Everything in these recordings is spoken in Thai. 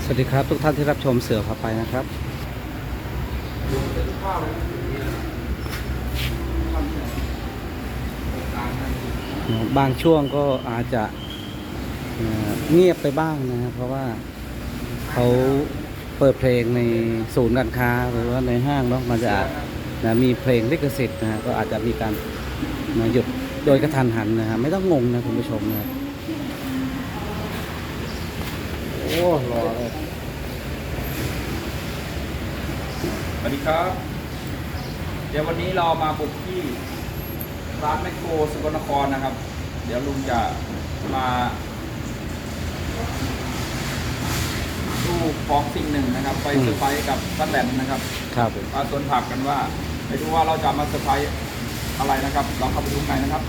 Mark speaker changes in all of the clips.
Speaker 1: สวัสดีครับทุกท่านที่รับชมเสือพาไปนะครับบางช่วงก็อาจจะเงียบไปบ้างนะครับเพราะว่าเขาเปิดเพลงในศูนย์การค้าหรือว่าในห้างเนาะมันจะมีเพลงลิขสิทธิ์นะก็อาจจะมีการหยุดโดยกระทันหันนะฮะไม่ต้องงงนะคุณผู้ชมนะ
Speaker 2: โอ้รอเลยสวัสดีครับ เดี๋ยววันนี้เรามาบุกที่ร้านแมคโครสกลนครนะครับ เดี๋ยวลุงจะมาดูของสิ่งหนึ่งนะครับ ไปเซอร์ไพรส์กับป้าแตนนะครับ
Speaker 1: ครับ
Speaker 2: มาสวนผักกันว่าไม่รู้ว่าเราจะมาเซอร์ไพรส์อะไรนะครับเราเข้าไปดูไหนนะครับ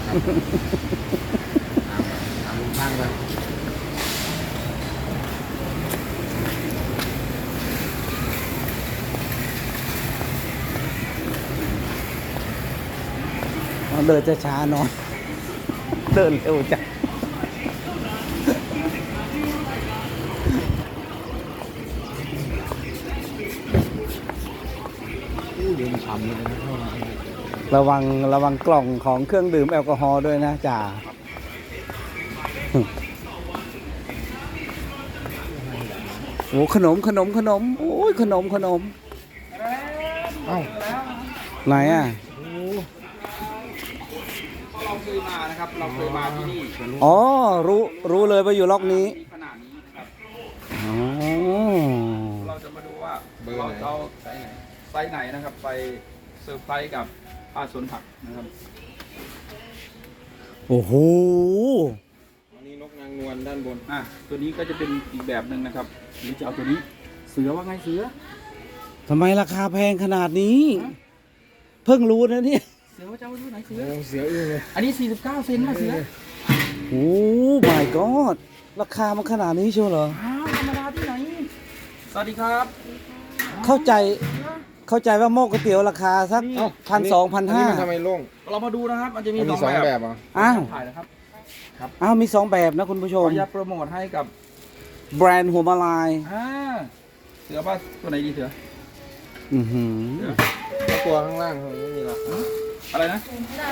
Speaker 3: ถามลุงตั้งเลย
Speaker 1: เดินจะช้าหน่อยเดินเร็วจัง
Speaker 3: เดินฉ่ำเลยนะเข้ามา
Speaker 1: ระวังกล่องของเครื่องดื่มแอลกอฮอล์ด้วยนะจ่าโอ้ขนมโอ้ยขนม
Speaker 3: เอ้า
Speaker 1: ไหนอ่ะ
Speaker 2: เราเคยมานะครับเราเคยมาที่นี่
Speaker 1: อ๋อรู้เลยว่าอยู่ล็อกนี้
Speaker 2: ขนาดนี้นะครับ
Speaker 1: อ๋อ
Speaker 2: เราจะมาดูว่าเราจะเอาไซส์ไหนนะครับไปเซอร์ไพรส์กับป้าสวนผักนะครับ
Speaker 1: โอ้โห
Speaker 3: อันนี้นกนางนวลด้านบน
Speaker 2: ตัวนี้ก็จะเป็นอีกแบบหนึ่งนะครับหรือจะเอาตัวนี้เสือว่าไงเสือ
Speaker 1: ทำไมราคาแพงขนาดนี้เพิ่งรู้นะเนี่ย
Speaker 2: เสือว่าจะเอาตัวไหนเสือ
Speaker 3: เสืออื้อเลย
Speaker 2: อันนี้49 เซนนะเสือ
Speaker 1: โอ้ my god ราคามันขนาดนี้เชียวเหรอ
Speaker 2: ธรรมดาที่ไหนสวัสดีครับ
Speaker 1: เข้าใจว่าหม้อก๋วยเตี๋ยวราคาสัก1,200-1,500
Speaker 3: ทำไมโล่ง
Speaker 2: เรามาดูนะครับมันจะมี
Speaker 3: สองแบบอ่ะ
Speaker 2: ถ่ายนะครับ
Speaker 1: มี2แบบนะคุณผู้ชม
Speaker 2: อยากโปรโมทให้กับ
Speaker 1: แบรนด์หัวมาลาย
Speaker 2: เสือว่าตัวไหนดีเสือ
Speaker 3: ตัวข้างล่างไม่มีหรอก
Speaker 2: อะไรนะ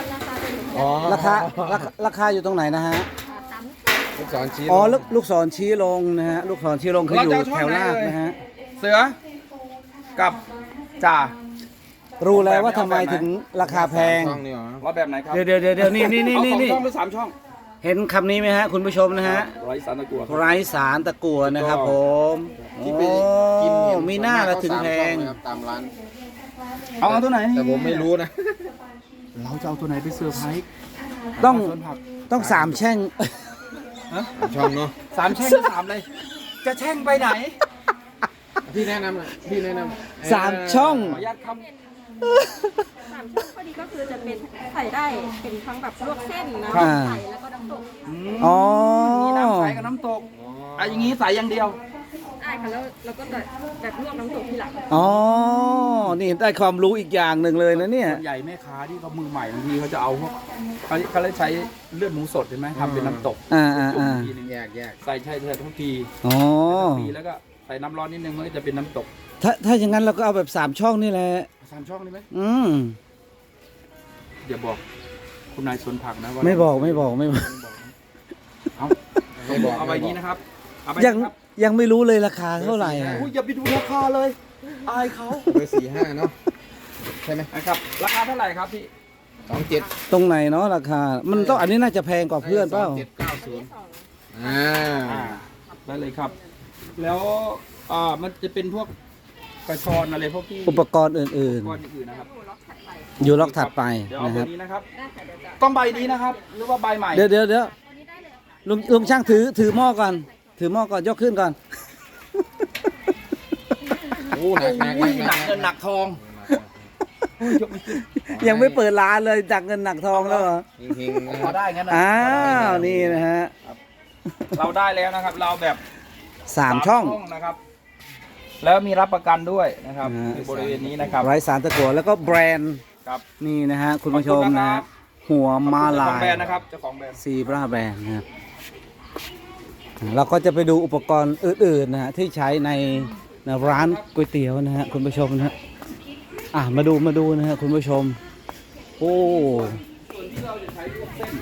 Speaker 1: ราคาอยู่ตรงไหนนะฮะ
Speaker 3: ลูกศรชี้
Speaker 1: ลูกศรชี้ลงนะฮะลูกศรชี้ลงคืออยู่แถวหน้านะฮะ
Speaker 2: เสือกับจ่า
Speaker 1: รู้แล้วว่าทำไมถึงราคาแพง
Speaker 2: ว่าแบบไหนครับ
Speaker 1: เดี๋ยวนี่
Speaker 2: 2 ช่องหรือ3 ช่อง
Speaker 1: เห็นคำนี้ไหมฮะคุณผู้ชมนะฮะ
Speaker 2: ไร้สารตะกั่ว
Speaker 1: นะครับผมที่ไปกินมีหน้าละถึงแพง
Speaker 3: ตามร้าน
Speaker 2: เอาตัวไหน
Speaker 3: แต่ผมไม่รู้นะ
Speaker 2: เราจะเอาตัวไหนไปเซอร์ไพรส์
Speaker 1: ต้อง3 แช่ง
Speaker 3: ช่องเนาะ
Speaker 2: 3 แช่ง3เลยจะแช่งไปไหน
Speaker 3: พี่แนะนำเลยพี่แนะน
Speaker 1: ำ3 ช่อง
Speaker 2: ขออนุญาตคำ
Speaker 4: 3 ช่องพอดีก็คือจะเป็นใส่ได้เป็นทั้งแบบลวกเส้นนะใส่แล้วก็น้ำตก
Speaker 2: มีน้ำใสกับน้ำตกอย่างนี้ใส่อย่างเดียว
Speaker 4: ได้ค่ะแล้วก็แบบลวกน้ำตกทีหลัง
Speaker 1: นี่ได้ความรู้อีกอย่างหนึ่งเลยนะเนี่ย
Speaker 2: ส่วนใหญ่แม่ค้าที่เขามือใหม่บางทีเขาจะเอาพวกเขาเลยใช้เลือดหมูสดใช่ไหมทำเป็นน้ำตก
Speaker 3: ทีนึงแยก
Speaker 2: ใส่ทุกทีแล้วก็ใส่น้ำร้อนนิดนึงมันก็จะเป็นน้ำตก
Speaker 1: ถ้าอย่างนั้นเราก็เอาแบบ3 ช่องนี่แหละ
Speaker 2: 3 ช่องนี่ไหมเดี๋ยวบอกคุณนายสวนผักนะว่า
Speaker 1: ไม่บอก
Speaker 2: เอาใบนี้นะครับ
Speaker 1: ยังไม่รู้เลยราคาเท่าไหร่
Speaker 2: อย่าไปดูราคาเลยอายเขา
Speaker 3: เบอร์45เนาะใช่ไหม
Speaker 2: ครับราคาเท่าไหร่ครับพี่
Speaker 3: 27
Speaker 1: ตรงไหนเนาะราคามันต้องอันนี้น่าจะแพงกว่าเพื่อนเปล่า
Speaker 3: 2790
Speaker 2: ได้เลยครับแล้วมันจะเป็นพวกกระชอนอะไรพวกที่
Speaker 1: อุปกรณ์อื่น
Speaker 2: นะครับ
Speaker 1: อยู่ล็อกถัดไป
Speaker 2: นะครับต้องใบนี้นะครับหรือว่าใบใหม่
Speaker 1: เดี๋ยวลุงช่างถือหม้อก่อนยกขึ้นก่อน
Speaker 3: โอ้หนักเ
Speaker 2: งินหนักทอง
Speaker 1: ยังไม่เปิดร้านเลยจากเงินหนักทองแล้วเหรอ
Speaker 2: พอได้งั้นนะ
Speaker 1: นี่นะฮะ
Speaker 2: เราได้แล้วนะครับเราแบบ
Speaker 1: 3 ช่อง
Speaker 2: นะครับแล้วมีรับประกันด้วยนะครับบริเวณนี้นะครับ
Speaker 1: ไร้สารตะกั่วแล้วก็แบรนด์นี่นะฮะคุณผู้ชมนะหัวมาลาย
Speaker 2: แบรนด์นะครับเจ้าของแบรนด์
Speaker 1: ซีบราแบรนด์นะครับเราก็จะไปดูอุปกรณ์อื่นๆนะฮะที่ใช้ในร้านก๋วยเตี๋ยวนะฮะคุณผู้ชมนะฮะมาดูนะฮะคุณผู้ชมโอ้
Speaker 2: ส่วนที่เราจะใช้ลวกเส้น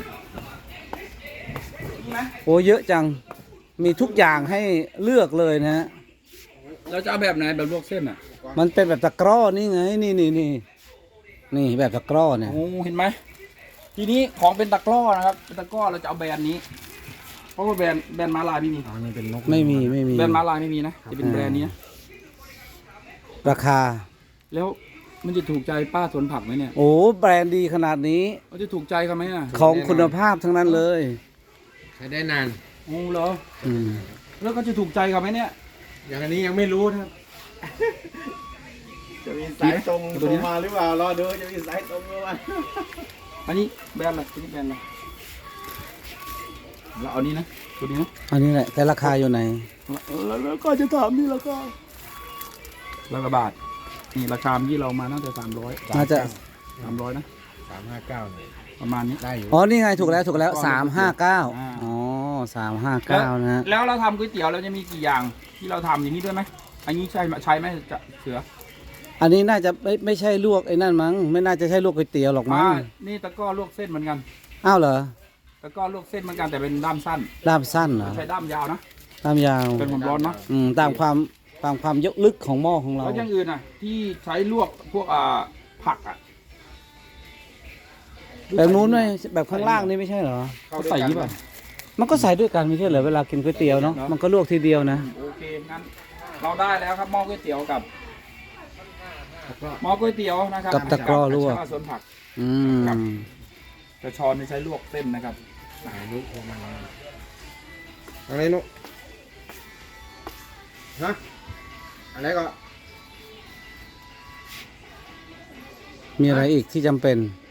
Speaker 2: นี่ไหม
Speaker 1: โหเยอะจังมีทุกอย่างให้เลือกเลยนะฮะ
Speaker 2: เราจะเอาแบบไหนแบบลวกเส้นอ่ะ
Speaker 1: มันเป็นแบบตะกร้อนี่ไงนี่แบบตะกร้อเนี่ย
Speaker 2: โอ้เห็นไหมทีนี้ของเป็นตะกร้อนะครับเป็นตะกร้อเราจะเอาแบรนด์นี้ เพราะว่าแบรนด์ม้าลายไม่มี
Speaker 3: อ๋อนี่เป็นนก
Speaker 1: ไม่มี
Speaker 2: แบรนด์ม้าลายไม่มีนะจะเป็นแบรนด์นี้นะ
Speaker 1: ราคา
Speaker 2: แล้วมันจะถูกใจป้าสวนผักไหมเนี่ย
Speaker 1: โอ้แบรนด์ดีขนาดนี้
Speaker 2: มันจะถูกใจเขาไหมอ่ะ
Speaker 1: ของคุณภาพทั้งนั้นเลย
Speaker 3: ใช้ได้นาน
Speaker 2: โอ้เหรอ
Speaker 1: อืม
Speaker 2: แล้วก็จะถูกใจเขาไหมเนี่ย
Speaker 3: อย่างอันนี้ยังไม่รู้นะครับ จะมีสายตรงลงมาหรือเปล่ารอดูจะมีสายตรงลงมา
Speaker 2: อันนี้แบรนด์อะไรอันนี้แบรนด์อะไรเราเอานี้นะตัวนี้นะ
Speaker 1: อันนี้แหละแต่ราคาอยู่ไหน
Speaker 2: แล้วก็จะถามนี่แล้วก็ร้อยกว่าบาทนี่ราคาที่เรามาตั้งแต่300
Speaker 1: น่าจะ
Speaker 2: 300นะ
Speaker 3: 359เนี่ย
Speaker 2: ประมาณนี้
Speaker 3: ได้อยู่
Speaker 1: อ๋อนี่ไงถูกแล้ว359
Speaker 2: อ่า
Speaker 1: อ๋อ359นะฮะ
Speaker 2: แล้วเราทำก๋วยเตี๋ยวเราจะมีกี่อย่างที่เราทำอย่างนี้ด้วยไหมอันนี้ใช้ไหมจะเสือ
Speaker 1: อันนี้น่าจะไม่ใช่ลวกไอ้นั่นมั้งไม่น่าจะใช่ลวกก๋วยเตี๋ยวหรอกมั้ง
Speaker 2: นี่ตะกร้อลวกเส้นเหมือนกัน
Speaker 1: อ้าวเหรอ
Speaker 2: ตะกร้อลวกเส้นเหมือนกันแต่เป็นด้ามสั้น
Speaker 1: ด้ามสั้นเหรอ
Speaker 2: ใช้ด้ามยาวนะ
Speaker 1: ด้ามยาว
Speaker 2: เป็นผมร้อนเนาะ
Speaker 1: ตามความยกลึกของหม้อของเรา
Speaker 2: แล้วอย่างอื่นอ่ะ ที่ใช้ลวกพวกผักอ่ะ
Speaker 1: แบบนู้นไหมแบบข้างล่างนี่ไม่ใช่เหรอ
Speaker 2: เขาใส่ยี่ป่ะ
Speaker 1: มันก็ใส่ด้วยกันไม่ใช่เหรอเวลากินก๋วยเตี๋ยวเนาะ
Speaker 2: เนอะ
Speaker 1: มันก็ลวกทีเดียวนะ
Speaker 2: โอเคงั้นเราได้แล้วครับหม้อก๋วยเตี๋ยวกับหม้อก๋วยเตี๋ยวนะครับ
Speaker 1: กับตะกร้อลวก
Speaker 2: ชาสวนผัก
Speaker 1: อืม
Speaker 2: กระชอนนี่ใช้ลวกเส้นนะครับ
Speaker 3: สายนุกลงมาอะไรนุกฮะอะไรก็
Speaker 1: มีอะไรอีกที่จำเป็น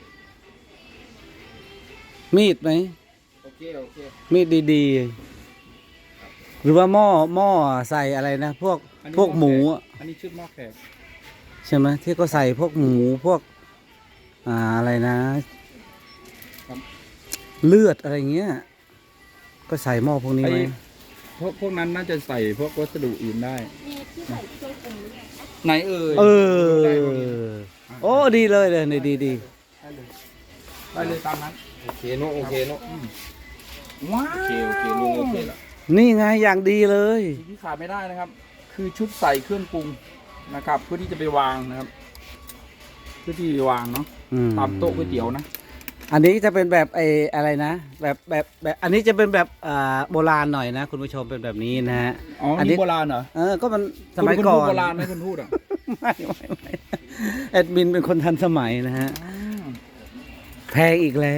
Speaker 1: มีดไหม
Speaker 3: โอเค
Speaker 1: มีดดีๆ หรือว่าหม้อใส่อะไรนะ พวกหมูอะ
Speaker 2: อันนี้ชุดหม้อแขก
Speaker 1: ใช่ไหมที่ก็ใส่พวกหมูพวกอะไรนะ เลือดอะไรเงี้ย ก็ใส่หม้อพวกนี้ไหม
Speaker 2: พวกนั้นน่าจะใส่พวกวัสดุอื่นได้
Speaker 4: มีที่ใส่เครื่องปรุงด้วยนะ
Speaker 2: ไหนเอ่ย
Speaker 1: เออ โอ้ดีเลยเลยนี่ดี
Speaker 2: ได้เลยได้เลยตามนั้น
Speaker 3: โอเคนุกโอเคนุก
Speaker 2: ว้าว
Speaker 3: โอเคลุงโอเคละ
Speaker 1: นี่ไงอย่างดีเลย
Speaker 2: สิ่งที่ขาดไม่ได้นะครับ คือชุดใส่เครื่องปรุงนะครับ เพื่อที่จะไปวางนะครับ เพื่อที่จะวางเนาะ
Speaker 1: อืม
Speaker 2: ตามโต๊ะก๋วยเตี๋ยวนะ
Speaker 1: อันนี้จะเป็นแบบอะไรนะแบบอันนี้จะเป็นแบบโบราณหน่อยนะ คุณผู้ชมเป็นแบบนี้นะฮะ
Speaker 2: อ๋อ
Speaker 1: อันนี้
Speaker 2: นี่โบราณเหรอ
Speaker 1: ก็มันสมัย
Speaker 2: คุณ
Speaker 1: ก่อ
Speaker 2: พูด
Speaker 1: น
Speaker 2: โบราณไหมคุณพูดอ่ะ
Speaker 1: ไม่แอดมินเป็นคนทันสมัยนะฮะแพงอีกแล้ว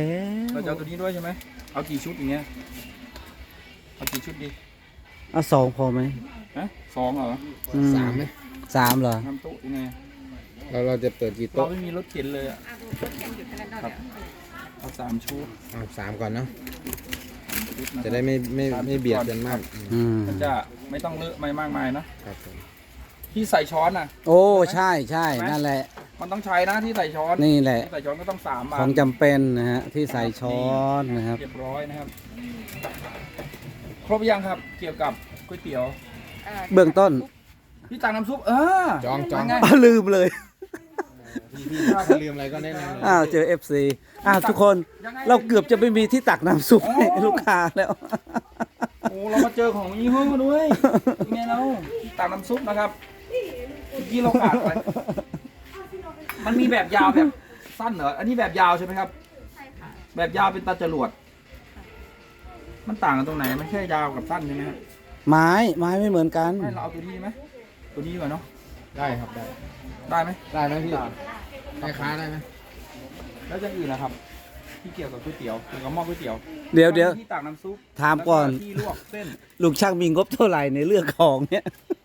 Speaker 2: เราจะเอาตัวนี้ด้วยใช่ไหมเอากี่ชุดอย่างเงี้ยเอากี่ชุดดี
Speaker 1: เอา2พอไหม
Speaker 2: ฮะ2เหรอ
Speaker 1: อื
Speaker 3: สามไหม
Speaker 1: 3เหรอ
Speaker 2: ทำโต๊ะยังไง
Speaker 3: เราจะเปิดกี่
Speaker 2: เรา
Speaker 3: โต๊ะ
Speaker 2: ไม่มีรถเข็นเลยอ่ะ
Speaker 4: รถเข็นอยู่ทางนั้น
Speaker 2: ครับเอา3ชุด
Speaker 3: เอา3ก่อนเนาะ
Speaker 2: ชุดนค
Speaker 3: จะ
Speaker 2: รับ
Speaker 3: ได้ไม่เบียดกันมาก
Speaker 1: อืม
Speaker 2: มันจะไม่ต้องเลอะไม่มากมายนะ
Speaker 3: ครับผม
Speaker 2: ที่ใส่ช้อนอ่ะ
Speaker 1: โอ้ใช่นั่นแหละ
Speaker 2: มันต้องใช้นะที่ใส่ช้อน
Speaker 1: นี่แหละ
Speaker 2: ที่ใส่ช้อนก็ต้อง3 บาท
Speaker 1: ของจำเป็นนะฮะที่ใส่ช้อนนะครับ
Speaker 2: เรียบร้อยนะครับ ครบยังครับเกี่ยวกับก๋วยเตี๋ยว
Speaker 1: เบื้องต้น
Speaker 2: พี่ตักน้ำซุป
Speaker 3: จอง
Speaker 2: ยังไง
Speaker 1: ลืมเลย
Speaker 3: พี่ถ้าจะลืมอะไรก็แนะนำเลย
Speaker 1: อ้าวเจอ FC ทุกคนเราเกือบจะไม่มีที่ตักน้ำซุปให้ลูกค้าแล้ว
Speaker 2: โอ้เรามาเจอของยี่ห้อด้วยยังไงเราพี่ตักน้ำซุปนะครับเมื่อกี้เราขาดไปมันมีแบบยาวแบบสั้นเหรออันนี้แบบยาวใช่ไหมครับ
Speaker 4: ใช่ค่ะ
Speaker 2: แบบยาวเป็นตาจรวด มันต่างกันตรงไหนไม่ใช่ยาวกับสั้นใช่ไหมครับ
Speaker 1: ไม้ไม่เหมือนกัน
Speaker 2: ไม่เราเอาตัวนี้ไหมตัวนี้ดีกว่าเนาะ
Speaker 3: ได้ครับได้
Speaker 2: ได้ไหม
Speaker 3: ได้ไหมพี่ได้ค้าได้ไหม
Speaker 2: แล้วอย่างอื่นนะครับ ที่เกี่ยวกับก๋วยเตี๋ยวเกี่ยวกับหม้อก๋วยเตี๋ยว
Speaker 1: เดี๋ยว
Speaker 2: ที่ตักน้ำซุป
Speaker 1: ถามก่อน
Speaker 2: แล้วที่ลวกเส้น
Speaker 1: ลุงช่างมีงบเท่าไหร่ในเรื่องของเนี่ย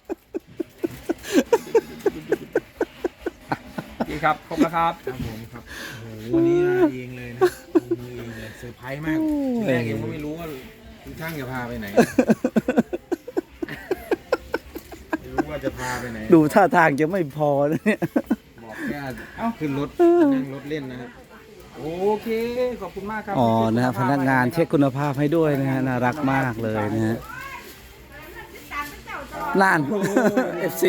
Speaker 2: โอเคครับครบแล้วครับ
Speaker 3: ครับผมครับโอ้โหวันนี้มาเองเลยนะลงมือเองเลยเซอร์ไพรส์มากทีแรกยังไม่รู้ว่าคุณช่างจะพาไปไหนไม่รู้ว่าจะพาไปไหน
Speaker 1: ดูท่าทางจะไม่พอนะเนี่ย
Speaker 3: บอกแค่ขึ้นรถนั่งรถเล่นนะครับ
Speaker 2: โอเคขอบคุณมากครับ
Speaker 1: อ๋อนะฮะพนักงานเช็คคุณภาพให้ด้วยนะฮะน่ารักมากเลยนะฮะน่าน FC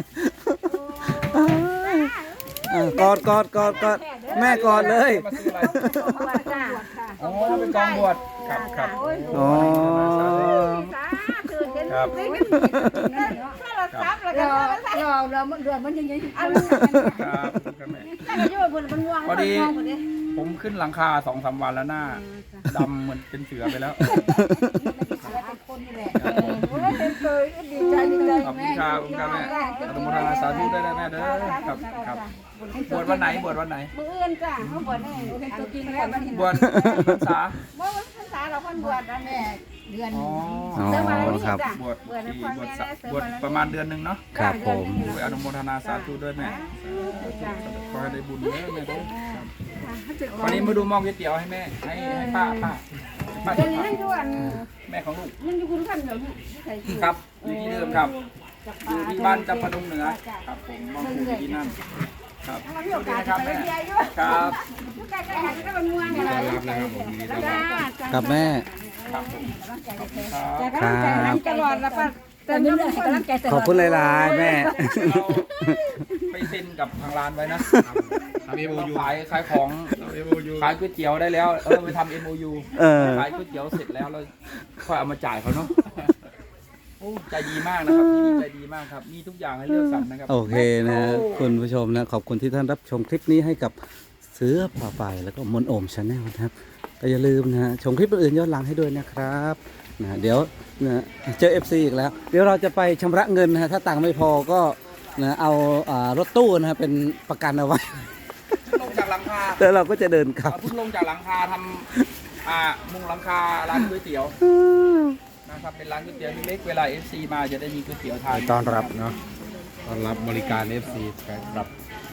Speaker 1: กอดแม่กอดเลย
Speaker 2: มาซื้ออะไร
Speaker 4: บวชจ้า
Speaker 2: อ๋อเป็นกองบวชครับครับ
Speaker 1: อ๋อ
Speaker 4: สาธุเห็น
Speaker 2: ครับ
Speaker 4: โทรศัพท์แล้วก็มันยังยังอันนั้น
Speaker 2: ครับครับแม่
Speaker 4: แต่ก็อยู่บนมันวาง
Speaker 2: พอดี ผมขึ้นหลังคา2-3 วันแล้วหน้าดำเหมือนเป็นเสือไปแล้ว
Speaker 4: เป็นเคยดีใจดีใจ
Speaker 2: ขอบคุณครับคุณครับแม่อนุโมทนาสาธุด้วยนะแม่เด้อครับครับบวชวันไหนบวชวันไหน
Speaker 4: มืออื่นจ้าเขาบวชได้เป็นตัวจริงแล้วมันเห็น
Speaker 2: บวชพรรษา
Speaker 4: เมื่อวันพรรษาเราคนบวชนะแม่เดือน
Speaker 2: อ๋อ
Speaker 1: อ๋อครับ
Speaker 2: บวชบวชประมาณเดือนหนึ่งเนาะ
Speaker 1: ครับผม
Speaker 2: อนุโมทนาสาธุด้วยแม่ขอให้ได้บุญเด้อแม่เด้อวันนี้มาดูหม้อก๋วยเตี๋ยวให้แม่ให้ป้า
Speaker 4: เดี๋ยวนี้นั่งอยู่อัน
Speaker 2: แม่ของลูก
Speaker 4: นั่งอยู่คุณขันเดี๋ยวนี้ใส่
Speaker 2: ครับอยู่ที่เดิมครับอยู่ที่บ้านจำปาดงเหนือครับผมมองอยู่ที่นั่นครับ
Speaker 4: เรามีโอกาส
Speaker 2: ครับ
Speaker 4: ไป
Speaker 2: แม่
Speaker 4: เที่ยวด้วย
Speaker 2: ครับ
Speaker 4: ใกล้ๆหันก็เป็นเมืองอะไร
Speaker 3: รับแล้วครับผมยินดีต้อนรับ
Speaker 1: กับแม่
Speaker 2: ครับผมครับ
Speaker 4: แต่ก็ต้องใจหันตลอดแล้วป้าแต่ไม่ได้ให้กำลังใจตลอด
Speaker 1: ขอบคุณหลายๆแม่
Speaker 2: เราไปเซ็นกับทางร้านไว้นะ
Speaker 3: ทำเอโมยู
Speaker 2: ขายของ
Speaker 3: ทำเอโมยู
Speaker 2: ขายก๋วยเตี๋ยวได้แล้วไปทำ MOU
Speaker 1: เออ
Speaker 2: ขายก๋วยเตี๋ยวเสร็จแล้วเราค่อยเอามาจ่ายเขาเนาะโอ้ใจดีมากนะครับที่นี่ใจดีมากครับมีทุกอย่างให้เลือกสรรนะครับ
Speaker 1: โอเคนะฮะคุณผู้ชมนะขอบคุณที่ท่านรับชมคลิปนี้ให้กับเสือป่าไปแล้วก็มนโอมชาแนลนะครับก็อย่าลืมนะฮะชมคลิปอื่นๆย้อนหลังให้ด้วยนะครับนะเดี๋ยวนะเจอ FC อีกแล้ว เดี๋ยวเราจะไปชำระเงินนะฮะถ้าตังค์ไม่พอก็นะเอารถตู้นะฮะเป็นประกันเอาไว้
Speaker 2: ลงจากหลังคา
Speaker 1: แล้วเราก็จะเดินกลับ
Speaker 2: เพิ่งลงจากหลังคาทำมุงหลังคาร้านก๋วยเตี๋ยวนะครับเป็นร้านก๋วยเตี๋ยวเล็กๆเวลา FC มาจะได้มีก๋วยเตี๋ยวทาน
Speaker 3: ต้อนรับเนาะต้อนรับบริการ FC ครับ